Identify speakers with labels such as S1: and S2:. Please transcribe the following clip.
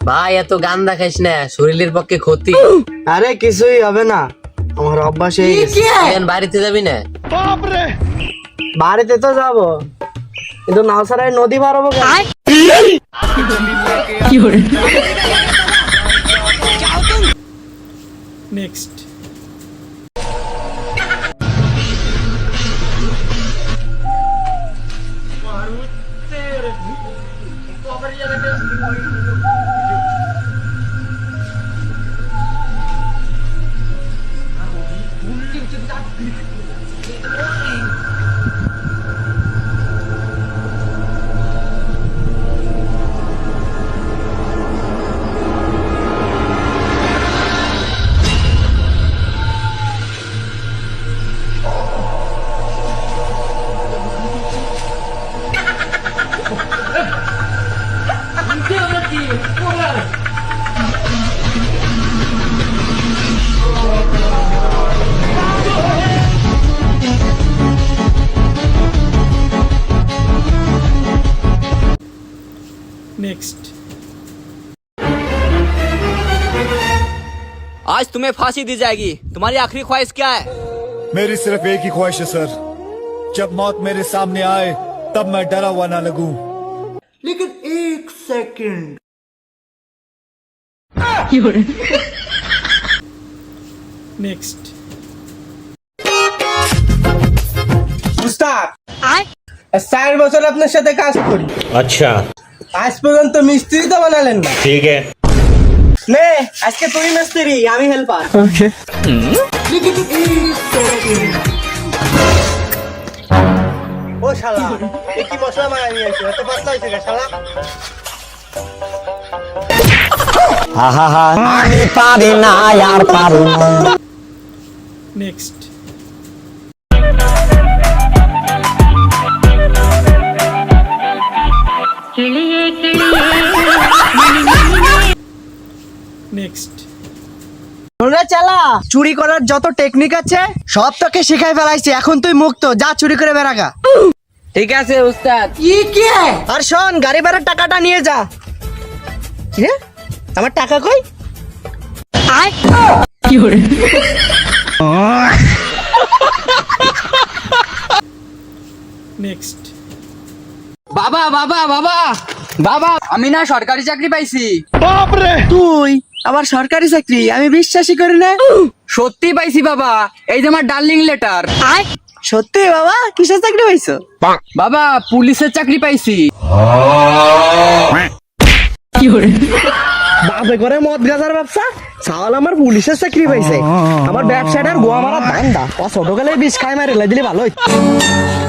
S1: ভাই এত গান্দা খাইস না, শরীরের পক্ষে ক্ষতি।
S2: আরে কিছুই হবে না, আমার অভ্যাস হয়ে গেছে।
S1: এখন বাড়িতে যাবি না?
S2: বাড়িতে তো যাবো, কিন্তু নাওসারায় নদী পার হবো কেন?
S3: নেক্সট। नेक्स्ट।
S4: आज तुम्हें फांसी दी जाएगी। तुम्हारी आखिरी ख्वाहिश क्या है?
S5: मेरी सिर्फ एक ही ख्वाहिश है सर, जब मौत मेरे सामने आए तब मैं डरा हुआ ना लगूं।
S2: लेकिन एक सेकंड।
S3: नेक्स्ट।
S2: উস্তাদ, 4 বছর আপনার সাথে কাজ করি।
S6: अच्छा
S2: আজ পর্যন্ত মিস্ত্রি তো বানালেন না।
S6: ठीक है।
S2: নে আজকে তুই মিস্ত্রি, আমি হেল্পার। ওকে। ও শালা, এ কি মশলা মারা নিয়ে আসছে? এত পাতলা হয়েছে কে শালা?
S7: আমি পারি না আর পারি না।
S3: नेक्स्ट। नेक्स्ट।
S2: ওরা চালা, চুরি করার যত টেকনিক আছে সব তোকে শিখাই ফেলাইছি, এখন তুই মুক্ত, যা চুরি করে বেরাগা।
S1: ঠিক আছে উস্তাদ।
S2: আর শোন, গাড়ি ভাড়ার টাকাটা নিয়ে যা। কি রে, আমার টাকা কই?
S3: नेक्स्ट।
S4: বাবা বাবা বাবা বাবা, আমি না সরকারি চাকরি পাইছি।
S2: তুই আবার সরকারি চাকরি? আমি বিশ্বাসই করি না।
S4: সত্যি পাইছি বাবা, এই যে আমার ডার্লিং লেটার।
S2: সত্যি বাবা? কিসের চাকরি পাইছো?
S4: বাবা পুলিশের চাকরি পাইছি।
S2: বাপে করে মদ গাজার ব্যবসা, সাওয়াল আমার পুলিশের চাকরি পাইছে। আমার ব্যবসাটার গোয়া মারা ধান্দা, ও ছোটকালে বিষ খাই মারে দিলে ভালো হইতো।